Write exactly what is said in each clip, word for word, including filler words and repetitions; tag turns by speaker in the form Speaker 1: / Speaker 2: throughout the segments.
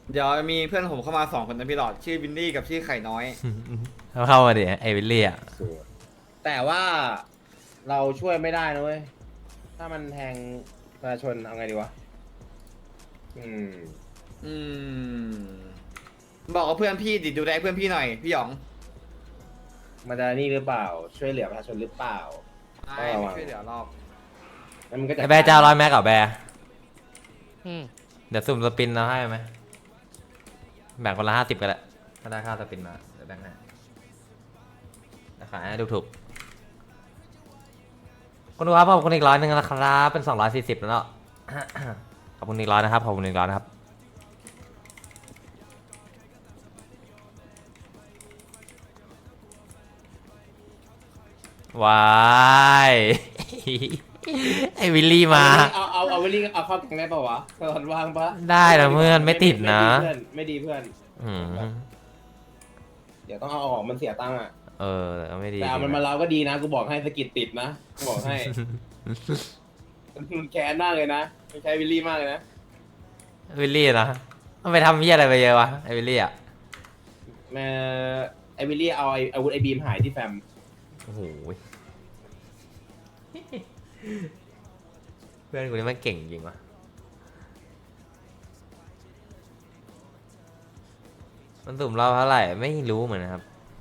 Speaker 1: เดี๋ยวมีเพื่อนผมเข้ามาสองคนนะพี่หลอดชื่อวินดี้กับชื่อไข่น้อย
Speaker 2: เข้ามาดิไอวิลลี่อ่ะ
Speaker 3: สวยแต่ว่าเราช่วยไม่ได้นะเว้ยถ้ามันแทงประชาชนเอาไงดีวะอืม
Speaker 1: อืมบอกกับเพื่อนพี่ดิดูแลเพื่อนพี่หน่อยพี่หยอง
Speaker 3: มันจะนี่หรือเปล่า ช่วยเหลือประชาชนหรือเปล่า
Speaker 1: ไม่ไม่ช่วยเหลือรอบ
Speaker 3: แล้วมันก็จะ
Speaker 2: ไอแบร์เจ้าร้อยแม็กกับแบร์
Speaker 4: อืม
Speaker 2: เดี๋ยวสุ่มสปินเราให้ไหมแบ่งคนละห้าสิบก็ได้ถ้าได้ค่าสปินมาเดี๋ยวแบ่งให้ราคาให้ถูกๆคุณดูครับขอบคุณอีกร้อยหนึ่งนะครับเป็นสองร้อยสี่สิบแล้วเนาะ ขอบคุณอีกร้อยนะครับขอบคุณอีกร้อยนะครับวาย ไอวิลลี่มา
Speaker 3: เอาเอาเอาวิลลี่เอาเข้าแกงได้ป่าวะตอนว่างปะ
Speaker 2: ได้นะเพื่อนไม่ติดนะ
Speaker 3: ไม่ดีเพื่อน
Speaker 2: อืม
Speaker 3: เดี๋ยวต้องเอาออกมันเสียตังค์อ่ะ
Speaker 2: เออแต่ก็ไม่ดี
Speaker 3: แต่เอามันมาเราก็ดีนะกูบอกให้สกิดติดนะกูบอกให้ มันแค้นมากเลยนะไม่ใช่วิลลี่มากเลยนะ
Speaker 2: วิลลี่นะมันไปทำเหี้ยอะไรไปเยอะวะไอวิลลี่อ่ะ
Speaker 3: แม่ไอวิลลี่เอาไออาวุธไอบีมหายที่แฟม
Speaker 2: โอ้โหเพื่อนกูนี่มันเก่งจริงวะมันสุ่มเราเท่าไหร่ไม่รู้เหมือนกันครับ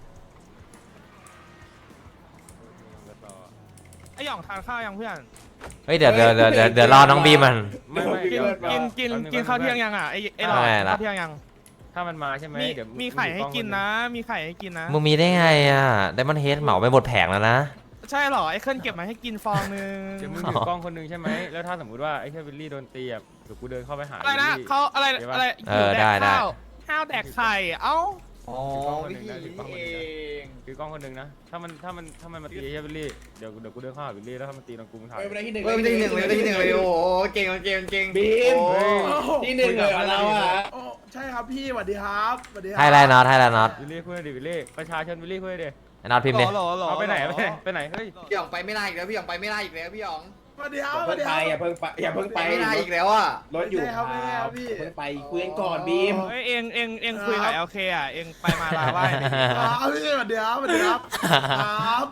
Speaker 4: ไอหย่องทานข้าวยังเพื่อน
Speaker 2: เฮ้ยเดี๋ยวเดี๋ยวเดี๋ยวเดี๋ยวเดี๋ยวรอน้องบีมัน
Speaker 5: ไม่ไม่
Speaker 4: กิน
Speaker 5: เดี๋ยว
Speaker 4: กินกินกินข้าวเที่ยงยังอ่ะไอไอหลอด
Speaker 2: ไม่
Speaker 4: กิน
Speaker 2: ละ
Speaker 4: ข้าวเที่ยงยัง
Speaker 5: ถ้ามันมาใช่ไหม
Speaker 4: มี
Speaker 5: เดี๋ยว
Speaker 4: มีไข่ให้กินนะ มีไข่ให้กินนะ
Speaker 2: มึงมีได้ไงอ่ะไดมอนเฮดเหมาไปหมดแผงแล้วนะ
Speaker 4: ใช่เหรอไอเคิลเก็บมาให้กินฟองนึง
Speaker 5: เดี๋ยวมึงถือกล้องคนหนึงใช่ไหมแล้วถ้าสมมติว่าไอ้แค่วิลลี่โดนตีอ่ะเดี๋ยวกูเดินเข้าไปหา
Speaker 4: อะไรนะ
Speaker 5: วิลลี่
Speaker 4: เขาอะไร
Speaker 5: เดี๋ยวว่า
Speaker 4: อะไร
Speaker 2: เออได้ได้
Speaker 4: ข้าวข้าวแดกไข่เอ้า
Speaker 1: อ๋อวิธีนี้เอง
Speaker 5: ถือกล้องคนหนึงนะถ้ามันถ้ามันถ้ามันมาตีไอ้แค่วิลลี่เดี๋ยวเดี๋ยวกูเดินเข้าหาวิลลี่แล้วถ้ามันตีน้องกูมึงถ่าย
Speaker 3: เฮ้ยไม่ได้ที่หนึ่ง
Speaker 1: เฮ้ยไม่ได้ที่หนึ่งเลยไม่ได้ที่หนึ่งเลยโอ้โหเก่งเก่งเก่ง
Speaker 3: บีม
Speaker 1: โอ้
Speaker 3: ที่หนึ่งเลยเหรอเราอ่ะ
Speaker 6: โอ้ใช่ครับพี่สวัสดีครับสวัสดีครั
Speaker 2: ให้ไรน็อตให้ไรน็อต
Speaker 5: วิลลี่คุยดิวิลลี่ประชาชนวิลลี่คุยดิ
Speaker 2: ไอ้น็อตพิมพ์ดิ
Speaker 4: หรอหรอ
Speaker 5: เอาไปไหนไปไหนไปไหนเฮ้ย
Speaker 1: พี่หยองไปไม่ได้อีกแล้วพี่หยองไปไม่ได้อีกแล้วพี่หยอง
Speaker 6: สวัสดีครับ
Speaker 3: อย่า
Speaker 6: สวั
Speaker 3: เพิ่
Speaker 6: ส
Speaker 3: ง
Speaker 6: ดี
Speaker 3: ไป
Speaker 6: ครับ
Speaker 3: อย่าเพิ่งไปอย่าเพิ่งไป
Speaker 1: ไปไม่ได้อีกแล้วอ่ะ
Speaker 3: รถอยู่
Speaker 6: ไม่ใช่ครับไม่ใช่ครับพี่
Speaker 3: อย่าเพิ่งไปคุยกันก่อนบีม
Speaker 4: เฮ้ยเองเองเองคุยกับ
Speaker 6: ครับ
Speaker 4: เอลเคอ่ะเองไปมาลาไหว้ดิ
Speaker 6: อ๋อพี่สวัสดีครับสวัสดีครับครับ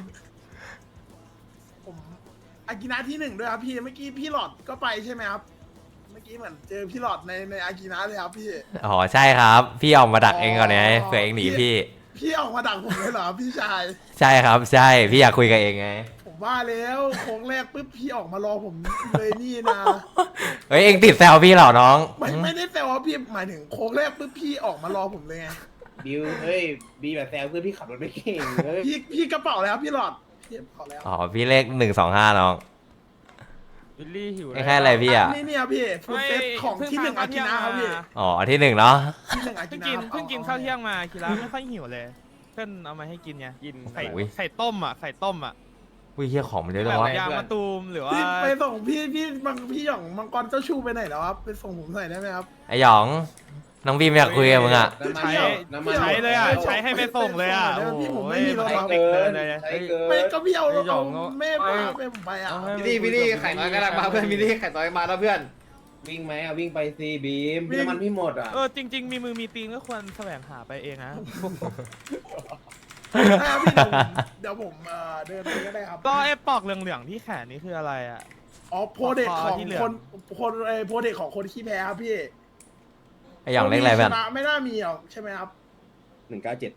Speaker 6: ผมอากินะที่หนึ่งด้วยครับพี่เมื่อกี้พี่หลอดก็ไปใช่ไหมครับเมื่อกี้เหมือนเจอพี่หลอดในในอากินะเลยครับพี่
Speaker 2: อ๋อใช่ครับ พี่ออกมาดักเองก่อนไงเผื่อเองหนีพี่
Speaker 6: พี่ออกมาดักผมเลยเหรอพี่ชาย
Speaker 2: ใช่ครับใช่พี่อยากคุยกับเองไง
Speaker 6: ผมว่าแล้วโค้งแรกปุ๊บพี่ออกมารอผมเลยนี่นะ
Speaker 2: เฮ้ยเองติดแซวพี่เหรอน้อง
Speaker 6: ไม่ไม่ได้แซวว่าพี่หมายถึงโค้งแรกปุ๊บพี่ออกมารอผมเลยไง
Speaker 3: บิวเฮ้ยบีแบบแซวเพื่อนพี่ขับรถไม่เก่งเฮ้ย
Speaker 6: พี่พี่กระเป๋าแล้วพี่หลอดพี่กระเป๋าแล้ว
Speaker 2: อ๋อพี่เลขหนึ่งสองห้าน้อง
Speaker 5: วิลลี่หิว
Speaker 2: ไอ้แค่อะไรพี่อ่ะ
Speaker 6: นี่เนี่ยพี่ฟูดเซตของที่หนึ่งอากินะครับพี่
Speaker 2: อ๋อที่หนึ่งเนาะ
Speaker 6: ที่หนึ่งอากิ
Speaker 4: เพิ่ง
Speaker 6: นะ
Speaker 4: กิน
Speaker 6: ครับ
Speaker 4: เพิ่งกินข้าวเที่ยงมาคิระไม่ค่อยหิวเลยเพื่อนเอามาให้กินไง
Speaker 5: กิน
Speaker 4: ไข่ไข่ต้มอ่ะไข่ต้มอ่ะ
Speaker 2: อุ้ยเฮียของมันเยอะจั
Speaker 4: แบ
Speaker 2: ง
Speaker 4: บ
Speaker 2: วะ
Speaker 4: ยางมะตูมหรือว่า
Speaker 6: พี่ไปส่งพี่พี่มังพี่หย่องมังกรเจ้าชูไปไหนแล้วครับไปส่งผมหน่อยได้ไหมครับ
Speaker 2: ไอหยองน้องบีมอยากคุยกับมึงอ่ะ
Speaker 3: น้ำมัน
Speaker 4: ใช้
Speaker 3: หยดน้ำมัน
Speaker 4: ใช้เลยอ่ะใช้ให้ไปส่งเลยอ่ะ
Speaker 6: ดี๋วพี่ผมไม่มีรถ
Speaker 3: ใช้
Speaker 6: ครับ
Speaker 3: เกิน
Speaker 4: เลย
Speaker 3: ใช้เกิ
Speaker 6: ไม่
Speaker 3: น
Speaker 6: ก็พี่เอาเอาแม่พาไปผมไปอ่ะ
Speaker 1: พี่ลี่พี่ลี่ไข่น้อยกำลังมาเพื่อนพี่ลี่ไข่น้อยมาแล้วเพื่อน
Speaker 3: วิ่งไหมอ่ะวิ่งไปซีบีมน้ำมันพี่หมดอ่ะ
Speaker 4: เออจริง ๆ มีมือมีตีนก็ควรแสวงหาไปเองนะ
Speaker 6: ใช่ครับพี่เดี๋ยวผมเอ่อเดินไปก็ได้ครับ
Speaker 4: ก็ไอ้ปอกเหลืองๆที่แขนนี่คืออะไรอ่ะ
Speaker 6: อ๋อโพเด็กของ
Speaker 4: ที่เหลือ
Speaker 6: คนคนไอโพเด็กของคนขี้แพ้ครับพี่
Speaker 2: ไอหยองเลขอะไรเพื่อน
Speaker 6: ชนะไม่น่ามีหรอกใช่ไหมครับ
Speaker 3: หนึ่งเก้าเจ็ด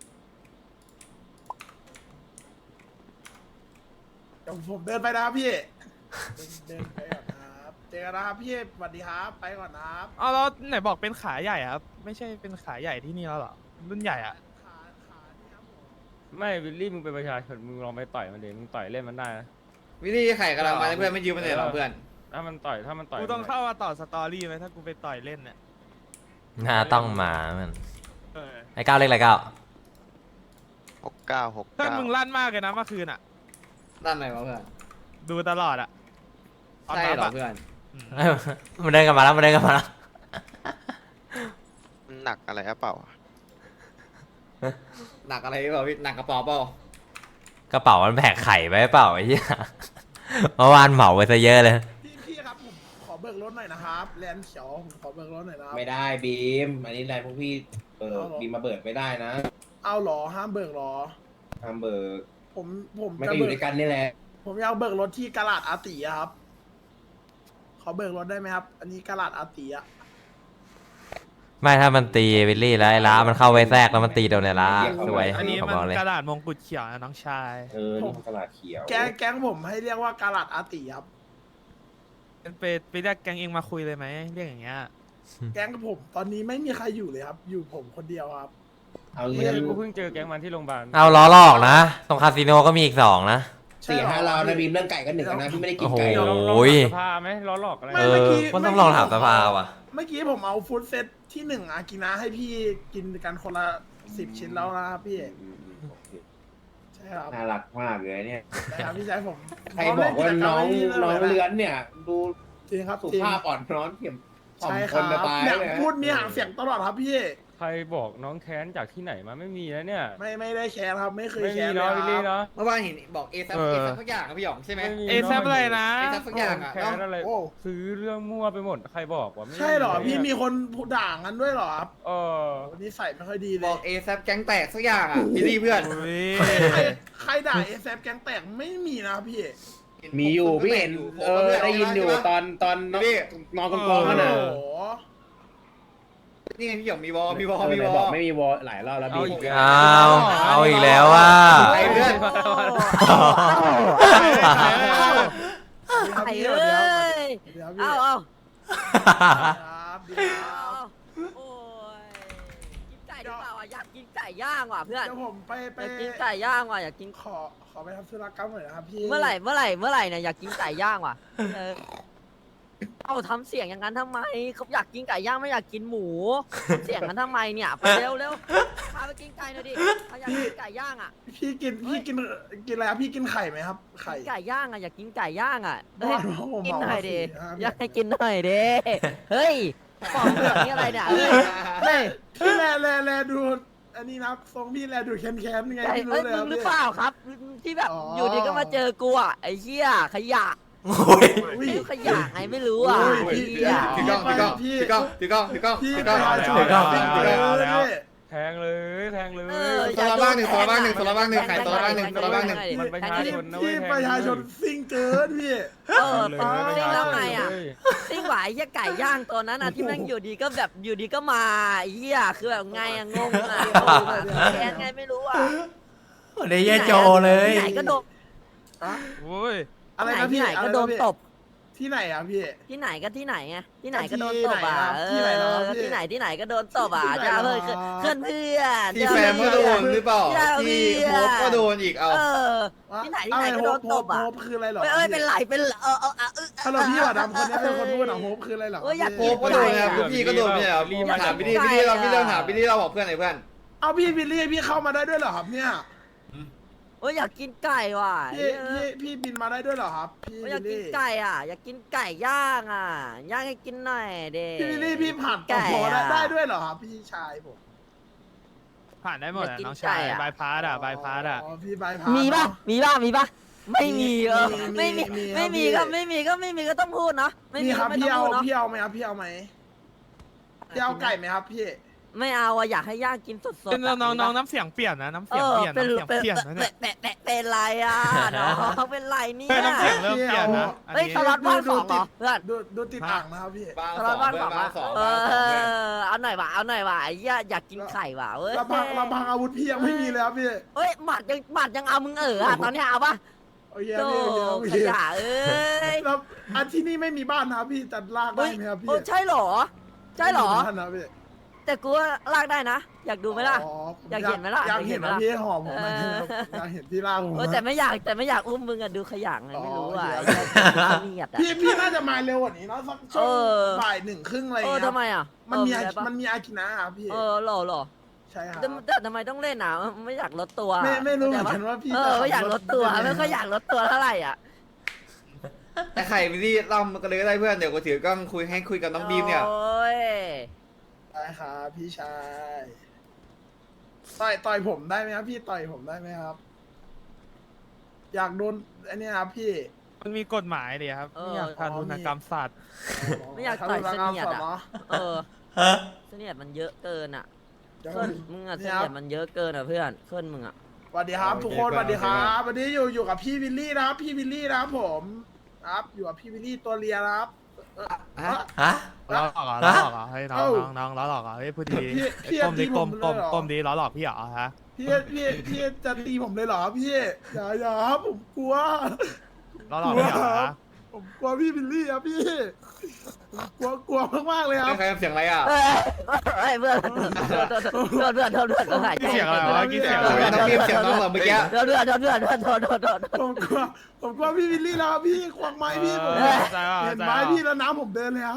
Speaker 6: เดี๋ยวผมเดินไปนะครับพี่เดินไปก่อนนะครับเจอกันนะครับพี่สวัสดีครับไปก่อนนะครับ
Speaker 4: อ๋อแล้วไหนบอกเป็นขาใหญ่ครับ ไม่ใช่เป็นขาใหญ่ที่นี่แล้วเหรอรุ่นใหญ่อ่ะ
Speaker 6: ขาขานี่ครับผม
Speaker 5: ไม่วิลลี่มึงเป็นประชาชนมึงลองไปต่อยมันเดี๋ยวมึงต่อยเล่นมันได้นะ
Speaker 1: พี่ลี่ไข่กำลังมาเพื่อนไม่ยืมมันเลยหรอเพื่อน
Speaker 5: ถ้ามันต่อยถ้ามันต่อย
Speaker 4: กูต้องเข้ามาต่อสตอรี่ไหมถ้ากูไปต่อยเล่นเนี่ย
Speaker 2: น่าต้องมามัน
Speaker 4: เออ
Speaker 2: ไอเก้าเลขอะไรเก้า
Speaker 7: หกเก้าหก
Speaker 4: เพื่อน
Speaker 7: เก้า
Speaker 4: มึงลั่นมากเลยนะเมื่อคืนอ่ะ
Speaker 1: ด้านไหนวะเพื่อน
Speaker 4: ดูตลอดอ่ะ
Speaker 1: ใช่เหรอ
Speaker 4: ปั๊บะ
Speaker 1: เพื่อน
Speaker 4: อืม
Speaker 2: เอ้ยมันเดินกลันมาแล้วมันเดินกลันมาแล้ว
Speaker 7: มันหนักอะไรหรือเปล่า
Speaker 1: หนักอะไรเปล่าพี่หนักกระเป๋าเปล่าก
Speaker 2: ระเป๋ามันแบกไข่ไปเปล่าไอ้เหี้ยเมื่อวานเหมาไปซะเยอะเลย
Speaker 6: พี่พี่ครับผมขอเบิกกรถหน่อยนะครับแลนด์เขียวผมขอเบิกรถหน่อยนะครับ
Speaker 3: ไม่ได้บีม อันนี้อะไรพวกพี่เบิก
Speaker 6: เอาเหรอ
Speaker 3: บีมมาเบิกไม่ได้นะ
Speaker 6: เอาเหรอห้ามเบิกเหรอ
Speaker 3: ห้ามเบิก
Speaker 6: ผมผม
Speaker 3: ไม่
Speaker 6: จะ
Speaker 3: ก็อยู่
Speaker 6: เบิ
Speaker 3: ด้วยกันนี่แหละ
Speaker 6: ผมอยากเบิกรถที่กาลาดอาติอะครับ ขอเบิกรถได้ไหมครับ อันนี้กาลาดอาติอะ
Speaker 2: ไม่ถ้ามันตีวิลลี่แล้วไอ้ล้ามันเข้าไว้แทรกแล้วมันตีโดนไอ้ล้าสวย
Speaker 4: อันนี้
Speaker 2: ผม
Speaker 4: มัน
Speaker 2: บอกเลย
Speaker 4: กระดาษมงกุฎเขียวนะน้องชาย
Speaker 3: เออ นี่มันตลาดเขียว
Speaker 6: แก๊งแก๊งผมให้เรียกว่ากาลาดอาติครับ
Speaker 4: เป็นไปไปเรียกแกงเองมาคุยเลยไหมเรียกอย่างเงี้ย
Speaker 6: แก๊งผมตอนนี้ไม่มีใครอยู่เลยครับ อยู่ผมคนเดียวครับ
Speaker 3: เอา
Speaker 5: เมื่
Speaker 3: เงิ
Speaker 5: อน กี้กูเพิ่งเจอแก๊งมันที่โรงพยาบาล
Speaker 2: เอาล้อลอกนะ ตรงคาสิโนก็มีอีกสองนะ
Speaker 3: สี่ห้าเรานะบีมเรื่องไก่ก็หนึ่งแล้วนะพี่ไม่ได้กินไก่
Speaker 2: โอ้โห
Speaker 5: ลองลอง
Speaker 2: โอ้ย
Speaker 5: ถามสภาไหมล้อหลอกอะไร
Speaker 6: ไม่
Speaker 2: เอ
Speaker 6: เมื่
Speaker 2: อ
Speaker 6: อกี้
Speaker 2: มันต้องลองถามสภาว่ะ
Speaker 6: เมื่อกี้ผมเอาฟู้ดเซตที่หนึ่งอากินะให้พี่กินกันคนละสิบชิ้นแล้วนะครับพี่
Speaker 3: อืมอืมโอเค
Speaker 6: ใช่ครับ
Speaker 3: น่ารักมากเลยเนี่ย
Speaker 6: ใช่ครับพี่ชายผม
Speaker 3: ใครบอกว่าน้องน้องเลื้อนเนี่ย ดู
Speaker 6: จริงครับ
Speaker 3: สุ
Speaker 6: จริง
Speaker 3: ภาพอ่อนน้อมเทียมถ่อม
Speaker 6: ใช่
Speaker 3: ค
Speaker 6: ครั
Speaker 3: น
Speaker 6: บ
Speaker 3: จะตาย
Speaker 6: เนี่ย
Speaker 3: เลยนะ
Speaker 6: พูดมีหางเสียงตลอดครับพี่
Speaker 5: ใครบอกน้องแค้นจากที่ไหนมาไม่มีนะเนี่ย
Speaker 6: ไม่ไม่ได้แคร์ครับ ไม่เคย
Speaker 5: ไม่
Speaker 6: แค
Speaker 5: มี
Speaker 6: ร์เล
Speaker 5: เนาะ
Speaker 6: ย
Speaker 5: วิล
Speaker 6: ค
Speaker 5: ลี่
Speaker 6: รับ
Speaker 5: เนาะ
Speaker 1: เมื่อวานเห็นบอกเอซับ
Speaker 5: เออ
Speaker 1: เอซับสักอย่างอะพี่หยองใช่ไหม
Speaker 5: ไม่มี
Speaker 4: เอซับอะไรนะ
Speaker 1: เอซับสักอย่างอะ
Speaker 5: แค้นอะไร
Speaker 6: โอ้
Speaker 5: ซื้อเรื่องมั่วไปหมดใครบอกว่าไม่
Speaker 6: ใช่เหรอ
Speaker 5: เนี่ย
Speaker 6: พี่มีคนพูดด่างันด้วยเหรอครับ
Speaker 5: เออ
Speaker 6: วันนี้ใส่ไม่ค่อยดีเล
Speaker 1: บอย กเอซับแก๊งแตกสักอย่างอ่ะพี่ดีเพื่อน
Speaker 4: อุ้ย
Speaker 6: ใครใครใครด่าเอแซแก๊งแตกไม่มีนะครับพี่
Speaker 3: มีอยู่พี่เห็นเออได้ยินอยู่ตอนตอนน้องนอนกองกอง
Speaker 6: โอ้
Speaker 3: กัน
Speaker 6: โห
Speaker 3: น่ะ
Speaker 1: นี่ไงพี่หยองมีวอลมีวอล
Speaker 3: เออ
Speaker 1: มี
Speaker 3: ไหน
Speaker 1: ว
Speaker 3: บ
Speaker 1: อ
Speaker 3: อก
Speaker 1: ล
Speaker 3: ไม่มีวอลหลายรอบแล้ว
Speaker 5: เอา
Speaker 3: บี
Speaker 5: อี
Speaker 3: ม
Speaker 5: กแล้ว
Speaker 2: เอาเอาอีกแล้วว่า
Speaker 1: ไอ้เพื่อน
Speaker 6: ไอ้
Speaker 8: ไอ้
Speaker 6: เอ้
Speaker 8: เอ้
Speaker 6: ย
Speaker 8: ย
Speaker 6: เดี๋ยวพี่
Speaker 8: เอาเอา
Speaker 6: ครับเดี๋ยวครับ
Speaker 8: โอ้ยกินไก่หรือเปล่าอ่ะอยากกินไก่ย่างว่ะเพื่อน
Speaker 6: เดี๋ยวผมไปไป
Speaker 8: อยากกินไก่ย่างว่ะอยากกิน
Speaker 6: ขอขอไปทำธุรกรรมหน่อยนะครับพี่
Speaker 8: เมื่อไหร่เมื่อไหร่เมื่อไหร่เนี่ยอยากกินไก่ย่างว่ะเออเอาทำเสียงอย่างนั้นทำไมเขาอยากกินไก่ย่างไม่อยากกินหมูทำเสียงกันทำไมเนี่ยไปเร็วเร็วพาไปกินไก่หน่อยดิเขาอยากกินไก่ย่างอ่ะ
Speaker 6: พี่กินพี่กินกินอะไรครับพี่กินไข่ไหมครับ ไข่
Speaker 8: ไก่ย่างอ่ะอยากกินไก่ย่างอ่ะเฮ้ย
Speaker 6: บ้าผม
Speaker 8: กิน
Speaker 6: เมา
Speaker 8: หน่อยดิ
Speaker 6: สี่ห้า
Speaker 8: อยากให้กินหน่อยดิเฮ้ยบอกแบบนี้อะไรเนี่ยเฮ้ยเฮ้ย
Speaker 6: พี่แลแลแลดู อันนี้นะทรงพี่แลดูแค้นแค้นๆไง
Speaker 8: ไอ้
Speaker 6: ไม่รู้
Speaker 8: เอ้ย
Speaker 6: เลย
Speaker 8: มึ
Speaker 6: ค
Speaker 8: ง
Speaker 6: บ
Speaker 8: หรือ
Speaker 6: พี่
Speaker 8: เปล่าครับ ที่แบบ
Speaker 6: อ๋อ
Speaker 8: อ
Speaker 6: อ
Speaker 8: ยู่ดีก็มาเจอกูอ่ะไอ้เหี้ยขยะ
Speaker 2: โอ้ย
Speaker 6: อุ้ย
Speaker 8: ไอ้ขยะไงไม่รู้อ่ะ
Speaker 6: อุ้ย
Speaker 8: ไอ้
Speaker 6: พี่
Speaker 8: เหี้ย
Speaker 1: ถือกล้องถือกล้องถือกล้องถือกล้องถือกล้อง
Speaker 6: พี่
Speaker 1: ถือ
Speaker 6: ป
Speaker 1: กล้อง
Speaker 6: ระชาชน
Speaker 2: ถือกล้อง
Speaker 6: จริงๆ
Speaker 5: เอาแล้ว
Speaker 6: เลย
Speaker 5: แทงเลยแทงเลย
Speaker 8: เออ
Speaker 1: โซลาบ้างหนึ่งโซลาบ้างหนึ่งโซลาบ้างหนึ่งขายโซลาบ้างหนึ่งโซลาบ้างหนึ่ง
Speaker 5: มันประชาชนนะเว้
Speaker 6: พี่
Speaker 5: ยแทง
Speaker 6: ประชาชนซิ่งเกินพี่
Speaker 8: เออ
Speaker 5: เลย
Speaker 8: ตอน
Speaker 5: ประ
Speaker 8: ซิ่ง
Speaker 5: ชา
Speaker 8: แล้ว
Speaker 5: ชน
Speaker 8: ไงอ่ะ
Speaker 5: เลย
Speaker 8: ซิ่งหวายไอ้เหี้ยไก่ย่างตัวนั้นอ่ะที่แม่งอยู่ดีก็แบบอยู่ดีก็มาไอ้เหี้ยคือแบบไงอ่ะงงอ่ะงงอ่ะแค้นไงไม่รู้อ่ะ
Speaker 2: ได้เยโจเลย
Speaker 8: ที่ไหนก็โดน
Speaker 4: โอ้ย
Speaker 6: อะไร
Speaker 8: ที่ไหน
Speaker 6: นะ
Speaker 8: ที่
Speaker 6: พี่
Speaker 8: ไหน
Speaker 6: อะไร
Speaker 8: ก็
Speaker 6: นะ
Speaker 8: โดน
Speaker 6: พี่
Speaker 8: ตบ
Speaker 6: ที่ไหนอ่ะพี่
Speaker 8: ที่ไหนก็ที่ไหนไงที่ไหนก็โดนตบอ่ะเอ
Speaker 6: ที่ไหนเหรอ
Speaker 8: อ
Speaker 6: พี่
Speaker 8: ที่ไหนที่ไหนก็โดนตบอ่ะ
Speaker 6: ที่ไหน
Speaker 8: จะ
Speaker 6: เหรอ
Speaker 8: เพื่อนเพื่อนเพื่อน
Speaker 1: ที่แฟมก็โดนหรือเปล่าที่โฮปก็โดนอีกเอา
Speaker 8: เออ ที่ไหนที่ไหนก็โดนตบอ่ะ
Speaker 6: โฮปคืออะไรเหรอ
Speaker 8: เอ้ยเอ้ยเป็นไรเป็นไรเออเออเออเออ
Speaker 6: ฮัลโหลพี่หวาดำคนนี้เป็นคนพูดอ่ะโฮปคืออะไรเหรอ
Speaker 8: เอ้ยอยาก
Speaker 1: โฮปก็โดนนะครับพวกพี่ก็โดนไม่ใช่เหรอถามพี่ดีพี่ดีเราพี่เรื่องถามพี่ดีเราบอกเพื่อนไหนเพื่อน
Speaker 6: เอาพี่บิลลี่พี่เข้ามาได้ด้วยเหรอครับเนี่ย
Speaker 8: เอ้ยอยากกินไก่ว่ะ
Speaker 6: พี่พี่พี่บินมาได้ด้วยเหรอครับพี่
Speaker 8: เอ้ย
Speaker 6: บิ
Speaker 8: อยาก
Speaker 6: ล
Speaker 8: กิน
Speaker 6: ลี่
Speaker 8: ไก่อ่ะ อยากกินไก่ย่างอ่ะย่างให้กินหน่อยเด้
Speaker 6: พี่บิลลี่พี่ผ่านต่อ
Speaker 8: ไก่
Speaker 6: พอได้
Speaker 8: อะ
Speaker 6: ได้ด้วยเหรอครับพี่ชายผม
Speaker 4: ผ่านได้หมด
Speaker 8: อยาก
Speaker 4: อะ
Speaker 8: กิน
Speaker 4: น้องชาย
Speaker 8: ไก่อะ
Speaker 4: บายพาสอะบายพาสอะ
Speaker 6: อ๋อพี่บายพาส
Speaker 8: มีป่ะ
Speaker 6: เนอะ
Speaker 8: มีป่ะมีป่ะไม่มีเออ
Speaker 6: มี
Speaker 8: ไม่มี
Speaker 6: มีครับ
Speaker 8: ไม่มี
Speaker 6: พี่
Speaker 8: ก็ไม่มีก็ไม่มีก็ต้องพูดเนาะไม่
Speaker 6: มี
Speaker 8: มี
Speaker 6: ครั
Speaker 8: ก็
Speaker 6: บ
Speaker 8: ไม่
Speaker 6: พี่
Speaker 8: ต้อง
Speaker 6: เอา
Speaker 8: พูดเนาะ
Speaker 6: พี่เอาไหมครับพี่เอาไหมพี่เอาไก่ไหมครับพี่
Speaker 8: ไม่เอาอะอยากให้ย่างกินสดๆ
Speaker 4: เป็น
Speaker 8: อะ
Speaker 4: น้องน้องน้ำเสียงเปลี่ยนนะน้ำ
Speaker 8: เอ
Speaker 4: เสียง
Speaker 8: อ
Speaker 4: เปลี่ยน
Speaker 8: เป็น
Speaker 4: น้ำเสียง
Speaker 8: เป็น
Speaker 4: เปลี่ยนนะเนี่ย
Speaker 8: เป็นเป็นเป็นไรอ่ะน้องเป็นไรเนี่
Speaker 4: เฮ้ย
Speaker 8: ย
Speaker 4: น้ำเสียงเริ่มเปลี่ยนนะอัน
Speaker 8: เฮ้ย
Speaker 4: นี้
Speaker 8: สล็อตว่างสองเหรอเพื่อน
Speaker 6: ดูดูติดอ่างนะครับพี่
Speaker 1: บาง
Speaker 8: ส
Speaker 1: ส
Speaker 8: ล็
Speaker 1: อ
Speaker 8: อง ตว่าง
Speaker 1: เพื่
Speaker 8: ส
Speaker 1: อ
Speaker 8: อน ง
Speaker 1: บาง
Speaker 8: อะ
Speaker 1: สอง
Speaker 8: เอบ
Speaker 1: างสองเพื่อน
Speaker 8: อเอาหน่อยว่ะเอาหน่อยว่ะไอ้เหี้ยอยากกินไข่ว่ะเว้ย
Speaker 6: ระพังระพังอาวุธพี่ยังไม่มีเลยครับพี่
Speaker 8: เฮ้ยหมัดยังหมัดยังเอามึงเอออะตอนเนี้ยเอาปะ
Speaker 6: โอเค
Speaker 8: โธ่
Speaker 6: พี่โอเคโอเค
Speaker 8: ขยะเอ้ย
Speaker 6: แล้วอันที่นี่ไม่มีบ้านนะครับพี่จะลากได้ไหมครับพี่
Speaker 8: โอ้ใช่เหรอ ใช่เหรอ
Speaker 6: ไม่มีบ้านนะพี่
Speaker 8: แต่กูว่าลากได้นะ อยากดูไหมล่ะ
Speaker 6: อ๋อผม
Speaker 8: อยากเห็นไหมล่ะ
Speaker 6: อยากเห็น
Speaker 8: อยากเห็นไหมล่ะ
Speaker 6: นะพี่หอมผมหน่อยนะครับ
Speaker 8: เออ
Speaker 6: อยากเห็นพี่ลากผม
Speaker 8: เออแต่ไม่อยากแต่ไม่อยากอุ้มมึงอะดูขยะไงไม่รู้อ่ะไอ้เหี้ยเนียดอะ
Speaker 6: พี่พี่น่าจะมาเร็วกว่านี้เนาะสักช่วง
Speaker 8: เออ
Speaker 6: บ่ายหนึ่งครึ่งอะไรอ
Speaker 8: เอย่าง อ
Speaker 6: เงี้ย
Speaker 8: ทำไมอ่ะ
Speaker 6: มันมี
Speaker 8: เออ
Speaker 6: อา
Speaker 8: อะไรปะ
Speaker 6: มันมีอากินะครับพี่
Speaker 8: เออหล่อหล่อ
Speaker 6: ใช่ครับ
Speaker 8: แต่แต่ทำไมต้องเล่นอ่ะไม่อยากลดตัว
Speaker 6: ไม่ไม่รู้เหมือน
Speaker 8: ข้า
Speaker 6: กัน
Speaker 8: ใจปะ
Speaker 6: ว่าพี่
Speaker 8: เอ
Speaker 6: จะ
Speaker 8: อไม่อยากลดตัว
Speaker 6: ขับรถ
Speaker 8: ไม่ค่อยอยากลดตัวเท่าไหร่อ่ะ
Speaker 1: แต่ไข่พี่ดีล่ำกันเลยก็ได้เพื่อนเดี๋ยวกูถือกล้องคุยให้คุยกับน้องบีมเนี่ย
Speaker 8: โอ้ย
Speaker 6: ได้ครับพี่ชายต่อยต่อยผมได้ไหมครับพี่ต่อยผมได้ไหมครับ อยากโดนอันเนี้ยครับพี่
Speaker 4: มันมีกฎหมายดิครับ
Speaker 8: เออ
Speaker 4: ไม่อยากทารุณกรรมสัตว์
Speaker 8: ไม่อยากต่อยเสนียดอ่ะ
Speaker 6: เนาะ
Speaker 8: เออเสนียดมันเยอะเกินอ่ะ
Speaker 6: เดี๋ยว
Speaker 8: เคลื่อนมึงอ่ะเส
Speaker 6: นี่ค
Speaker 8: นี
Speaker 6: รั
Speaker 8: ย
Speaker 6: บ
Speaker 8: ดมันเยอะเกินอ่ะเพื่อนเคลื่อนมึงอ่ะ
Speaker 6: สวัสดีครับทุกคนสวัสดีครับวันนี้อยู่อยู่กับพี่วิลลี่นะครับพี่วิลลี่นะครับผมครับอยู่กับพี่วิลลี่ตัวเลียนะครับเอ่อเอ่อ
Speaker 2: ฮะ
Speaker 4: ล้อหลอกเหรอล้อหลอกเหรอเฮ้ยน้อง
Speaker 6: เอ้า
Speaker 4: น้องน้องล้อหลอกเหรอเฮ้ยพูดดี
Speaker 6: พี่พี่
Speaker 4: ก้มดี
Speaker 6: พี่
Speaker 4: ก้ม
Speaker 6: ผม
Speaker 4: ก้ม
Speaker 6: เลยเหรอ
Speaker 4: ก้มดีล้อหลอกพี่เหรอฮะ
Speaker 6: พี่พี่พี่จะตีผมเลยเหรอพี่อย่าอย่าครับผมกลัว
Speaker 4: ล้อหลอกพี่เหรอฮะ
Speaker 6: ผมกลัวพี่วิลลี่ครับพี่ผมกลัวกลัวมากๆเลยครับ
Speaker 1: ใครทำเสียงอะไรอ่ะ
Speaker 8: เอ้ยเอ้ยเพื่อนเพื่อนเพื่อนเพื่อนเพื่อนเพื่อนเพื่อนเพื่อนหายใจ
Speaker 4: กี่เสียงอะไรวะกี่เสียง
Speaker 1: โอ้
Speaker 4: อะไร
Speaker 1: ยน้องบีมเสียงน้องเหรอเมื่อกี้
Speaker 8: เพื่อนเพื่อนเพื่อนเพื่อนเพื่อนโทษโทษโทษ
Speaker 6: ผมกลัวผมกลัวพี่วิลลี่แล้วครับพี่ควงไม้พี่ผม
Speaker 4: เออเข้าใจว่า
Speaker 6: เห็
Speaker 4: เข้าน ใจ
Speaker 6: ไม้
Speaker 4: ว่า
Speaker 6: พี่แล้วน้ำผมเดินเลยครับ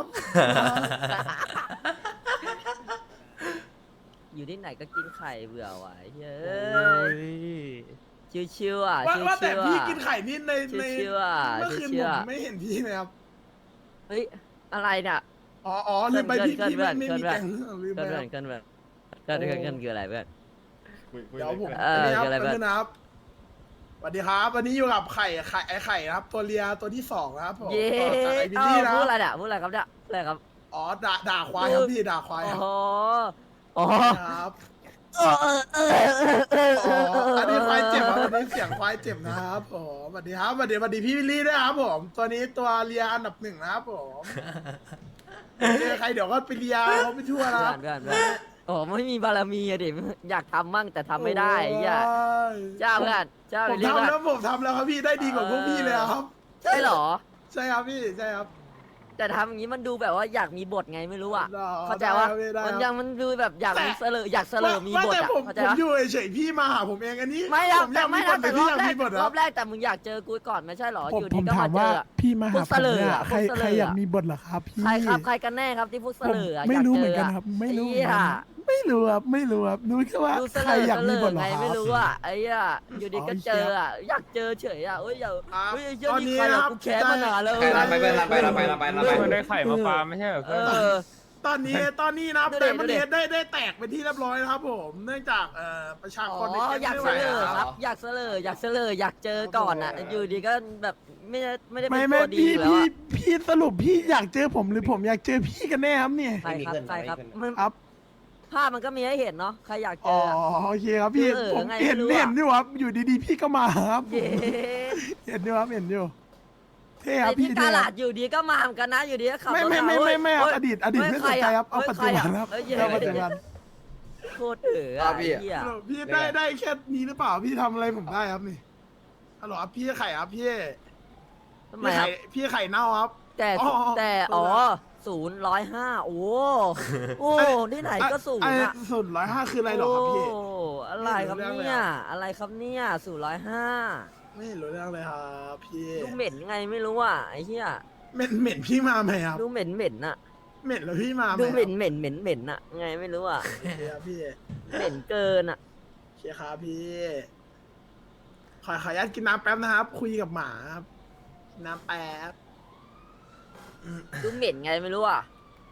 Speaker 8: อยู่ที่ไหนก็กินไข่เบื่อว่ะไอ้เฮ้
Speaker 4: โอ้
Speaker 8: ย
Speaker 4: ย
Speaker 8: ชิวๆอ่ะ
Speaker 6: ว่า
Speaker 8: ชิว
Speaker 6: ว่าแต่
Speaker 8: ๆ
Speaker 6: พี่
Speaker 8: อ่ะ
Speaker 6: กินไข่นี่ในใน
Speaker 8: ชิวๆอ่ะ
Speaker 6: เมื่อคืน
Speaker 8: ชิ
Speaker 6: ผ
Speaker 8: วๆ
Speaker 6: ม
Speaker 8: อ่ะ
Speaker 6: ไม่เห็นพี่เลยครับ
Speaker 8: เฮ้ยอะไรเนี่ย
Speaker 6: อ๋ออ๋อลืมไปพี่
Speaker 8: เกิน
Speaker 6: พี่
Speaker 8: เกิ
Speaker 6: ไม่
Speaker 8: น
Speaker 6: ไม่
Speaker 8: เกิน
Speaker 6: มีแกงลืม
Speaker 8: เกิ
Speaker 6: ไป
Speaker 8: น
Speaker 6: ค
Speaker 8: เพื่
Speaker 6: รั
Speaker 8: อบ นเกินเพื่อนเกินเกินเกินคืออะไรเพื่อน
Speaker 6: เดี๋ยวผม
Speaker 8: เออ
Speaker 6: อันนี้ครับ
Speaker 8: เกิดอะไร
Speaker 6: อัน
Speaker 8: บ้าง
Speaker 6: นี้นะครับสวัสดีครับวันนี้อยู่กับไข่ไข่ไอไข่นะครับ ตัวเลียตัวที่สองนะครับผม
Speaker 8: เย้
Speaker 6: ต่อจากไอวิล
Speaker 8: เอ้า
Speaker 6: ลี่นะ
Speaker 8: พูด
Speaker 6: ค
Speaker 8: อะไร
Speaker 6: รับ
Speaker 8: เนี่ยพูดอะไรครับเนี่ยพูดอะไรครับ
Speaker 6: อ๋อด่าด่าควายครับพี่ด่าควาย
Speaker 8: โอ้
Speaker 6: ครับ
Speaker 8: โหโอ้โห
Speaker 6: ครับ
Speaker 8: เออเออเออเออเอ
Speaker 6: อ๋อ
Speaker 8: อเออ
Speaker 6: อันนี้ควายเจ็บครับอันนี้เสียงควายเจ็บนะครับผมสวัสดีครับสวัสดีสวัสดีพี่วิลลี่ด้วยครับผม ตัวนี้ตัวเลียอันดับหนึ่งนะครับผมเจอใครเดี๋ยวก็ไปเลียเขาไปทั่วนะ
Speaker 8: เพื่
Speaker 6: ค
Speaker 8: อ
Speaker 6: รับ
Speaker 8: นเพื่อนเพื่อนโอ้โหไม่มีบารมีอะดิอยากทำมั่งแต่ทำไม่ได้ไอ้เหี้ย
Speaker 6: โอ้ย
Speaker 8: เจ้าเพื่อนเจ้า
Speaker 6: ผม
Speaker 8: เรียก
Speaker 6: ทำ
Speaker 8: ว่า
Speaker 6: แล้วผมทำแล้วครับพี่ได้ดีกว่าพวกพี่เลยครับ
Speaker 8: ใช่เหรอ
Speaker 6: ใช่ครับพี่ใช่ครับ
Speaker 8: แต่ทำอย่างนี้มันดูแบบว่าอยากมีบทไงไม่รู้อ่ะ
Speaker 6: ได้
Speaker 8: เข้าใจว่า
Speaker 6: ได้ได้
Speaker 8: มันยังมันดูแบบอยากมีเสลออยากเสลอมี
Speaker 6: ว่า
Speaker 8: บท
Speaker 6: แต่
Speaker 8: อ่ะ
Speaker 6: ผม
Speaker 8: เข้าใจ
Speaker 6: ผม
Speaker 8: ปะ
Speaker 6: อยู่เฉยๆพี่มาหาผมเองอันนี้
Speaker 8: ไม่นะ
Speaker 6: ผมอ
Speaker 8: แต่
Speaker 6: ยากมี
Speaker 8: ไม่
Speaker 6: บ
Speaker 8: นะ
Speaker 6: ท
Speaker 8: แต่
Speaker 6: แต่
Speaker 8: ร
Speaker 6: พี่
Speaker 8: อบ
Speaker 6: อยาก
Speaker 8: แร
Speaker 6: มี
Speaker 8: ก
Speaker 6: บท
Speaker 8: ร
Speaker 6: ค
Speaker 8: อ
Speaker 6: รับบ
Speaker 8: แรกแต่มึงอยากเจอกูก่อนไม่ใช่เหรอ
Speaker 9: ผม
Speaker 8: อยู่
Speaker 9: ผ
Speaker 8: ดี
Speaker 9: ม
Speaker 8: ก็
Speaker 9: ถาม
Speaker 8: มาเจ
Speaker 9: ว่า
Speaker 8: ออะ
Speaker 9: พี่มาหา
Speaker 8: พวก
Speaker 9: ผมเนี่ย
Speaker 8: เสลออะ
Speaker 9: ใคร
Speaker 8: พวกเสลอ
Speaker 9: ใครอยาก
Speaker 8: อะ
Speaker 9: มีบทเหรอครับพี่
Speaker 8: ใครครับใครกันแน่ครับที่พวกเส
Speaker 9: ผม
Speaker 8: ลออะ
Speaker 9: ไม่
Speaker 8: อยาก
Speaker 9: รู้
Speaker 8: เจ
Speaker 9: เหมือน
Speaker 8: อ
Speaker 9: กัน
Speaker 8: อะ
Speaker 9: ครับ ไม่รู้
Speaker 8: ไอ้
Speaker 9: เหมือน
Speaker 8: เหี้ย
Speaker 9: กันไม่รู้ครับไม่รู้ครับรู้แค่ว่า
Speaker 8: ดูเส
Speaker 9: ใคร
Speaker 8: ลอ
Speaker 9: อยาก
Speaker 8: เสล
Speaker 9: มี
Speaker 8: อบ
Speaker 9: ทเหรอ
Speaker 8: ไง
Speaker 9: ค
Speaker 8: ไม่
Speaker 9: รับ
Speaker 8: รู้อ่ะไอ้เหี้ยอยู่ดีก็เจออ่ะอยากเจอเฉยอ่ะเอ้ยอย่า
Speaker 6: ครับ
Speaker 8: เฮ้ยไอ้เหี้ย
Speaker 6: ตอน
Speaker 8: นี่
Speaker 6: นี้
Speaker 8: ใคร
Speaker 6: นะ
Speaker 8: อ่ะ
Speaker 6: ครับ
Speaker 8: กูแค้นมานานแล้ว
Speaker 1: ใครรับไปเพื่อนรับไปรับไปรับไปรับไป
Speaker 5: เพื่อนได้ไข่มาฟาร์มไม่ใช่เหรอ
Speaker 8: เอ
Speaker 5: เพื่อน
Speaker 8: อ
Speaker 6: ตอนนี้ตอนนี้นะครับ
Speaker 8: ดูดิ
Speaker 6: แต่มัน
Speaker 8: ดูดิ
Speaker 6: เนได้ได้แตกเป็นที่เรียบร้อยนะครับผม เนื่องจากเอ่อประชา
Speaker 8: อ๋
Speaker 6: กรใน
Speaker 8: อ
Speaker 6: เกม
Speaker 8: อยาก
Speaker 6: ไม่
Speaker 8: เส
Speaker 6: ไหว
Speaker 8: ลอ
Speaker 6: อะ
Speaker 8: ครับ อยากเสลออยากเสลออยากเจอก่อนอ่ะ อยู่ดีก็แบบไม่ได้ไม่ได้เป็
Speaker 9: ไม่
Speaker 8: น
Speaker 9: ไม่
Speaker 8: ตัวดี
Speaker 9: พี่
Speaker 8: อยู่แล้ว
Speaker 9: พี่
Speaker 8: อะ
Speaker 9: พี่สรุปพี่อยากเจอผมหรือผมอยากเจอพี่กันแน่ครับเนี่ย
Speaker 8: ใครครับใครครับมัน
Speaker 9: ครับ
Speaker 8: ภาพมันก็มีให้เห็นเนาะใครอยากเจ
Speaker 9: อ๋อ
Speaker 8: ออะ
Speaker 9: โอเคครับพี่
Speaker 8: เออ
Speaker 9: ผม
Speaker 8: ไง
Speaker 9: เห็น
Speaker 8: ไม่รู้อะ
Speaker 9: เห็นอยู่ครับอยู่ดีๆพี่ก็มาครับ
Speaker 8: เย้
Speaker 9: เห็นอยู่ครับเห็นอยู่เท่ค
Speaker 8: ไอ้
Speaker 9: รับ
Speaker 8: ที่
Speaker 9: พี่
Speaker 8: กา
Speaker 9: เท่ค
Speaker 8: ลา
Speaker 9: รั
Speaker 8: ด
Speaker 9: บ
Speaker 8: อยู่ดีก็มาเหมือนกันนะอยู่ดีก็ขับ
Speaker 9: ไม่
Speaker 8: รถ
Speaker 9: ไม่
Speaker 8: มา
Speaker 9: ไม่
Speaker 8: เว้
Speaker 9: ไม่
Speaker 8: ย
Speaker 9: ไม่ครับ
Speaker 8: เฮ้ย
Speaker 9: อดีตอดีต
Speaker 8: เฮ้ย
Speaker 9: ไม่
Speaker 8: ใค
Speaker 9: ส
Speaker 8: ร
Speaker 9: นใจครับเอา
Speaker 8: ฮ้ย
Speaker 9: ปัจจุบัน
Speaker 8: ใะ
Speaker 9: ครับ
Speaker 8: เอ้ยเย้
Speaker 9: เอาปัจจุบัน
Speaker 8: โคตรเอ๋อ
Speaker 1: อ่ะ
Speaker 8: ไอ้
Speaker 1: พี่
Speaker 8: เหี้ย
Speaker 6: พี่ได้ได้แค่นี้หรือเปล่าพี่ทำอะไรผมได้ครับนี่ฮัลโหลครับพี่ไข่ครับพี่
Speaker 8: ทำไม
Speaker 6: พี่
Speaker 8: ครั
Speaker 6: ไข่
Speaker 8: บ
Speaker 6: พี่ไข่เน่าครับ
Speaker 8: แต่
Speaker 6: อ๋อ
Speaker 8: แต่
Speaker 6: อ๋
Speaker 8: อ๋
Speaker 6: อ
Speaker 8: อศูนย์ร้อยห้าโอ้โอ้ที่ไหนก็ศูน
Speaker 6: ไอ้
Speaker 8: ย์อะ
Speaker 6: ศูนย์ร้อยห้าคืออะไรหรอครับพี่
Speaker 8: โอ้อะไรครับ
Speaker 6: ไม่รู้เรื่องเลย
Speaker 8: เนี่ย
Speaker 6: อะ
Speaker 8: อะไรครับเนี่ยศูนย์ร้อยห้า
Speaker 6: ไม่รู้เรื่องเลยครับพี่
Speaker 8: ดูเหม็นไงไม่รู้อ่ะไอ้เหี้ย
Speaker 6: เหม็นเหม็นพี่มาไหมครับ
Speaker 8: ดูเหม็นเหม็นอะ
Speaker 6: เหม็นแล้วพี่มาไหม
Speaker 8: ดู
Speaker 6: ครับ
Speaker 8: เหม็นเหม็นเหม็นเหม็นอะไงไม่รู้อ่ะ
Speaker 6: โอเคครับพี่
Speaker 8: เหม็นเกินอะ
Speaker 6: โอเคครับพี่ ขอขออนุญาตกินน้ำแป๊บนะครับ คุยกับหมาครับกินน้ำแป๊บ
Speaker 8: ดูเหม็นไงไม่รู้อ่ะ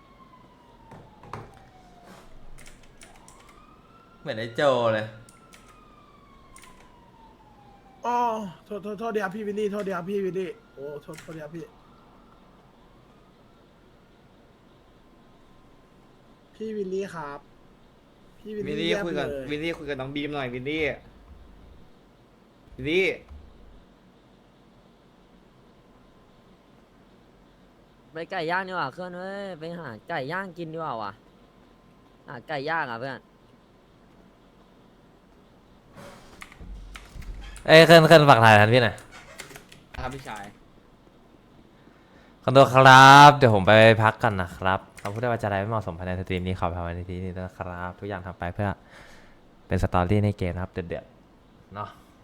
Speaker 2: เหมือนไอ้โจเลย
Speaker 6: โอ้โทษโทษโทษเดียวพี่วิลลี่โทษเดียวพี่วิลลี่โอ้โทษโทษเดียวพี่ พี่วิลลี่ครับ พี่วิล
Speaker 1: วิล
Speaker 6: ลี่
Speaker 1: ลี่
Speaker 6: เยี่ยม
Speaker 1: คุยกับ
Speaker 6: เลย
Speaker 1: วิลลี่คุยกับน้องบีมหน่อยวิลลี่วิลลี่
Speaker 8: ไปไก่ย่างดีกว่าเพื่อนเว้ยไปหาไก่ย่างกินดีกว่าว่ะหาไก่ย่างอ่ะเพื่อน
Speaker 2: เอ้ยเคลื่อนเคลื่อนฝากถ่ายทันพี่หน่อย
Speaker 1: ครับพี่ชาย
Speaker 2: ขอตัวครับเดี๋ยวผมไปพักกันนะครับคำพูดได้ว่าจะอะไรไม่เหมาะสมภายในสตรีมนี้ขอภายในทีนี้ด้วยนะครับ ทุกอย่างทำไปเพื่อเป็นสตอรี่ในเกมนะครับเดือดๆเนาะ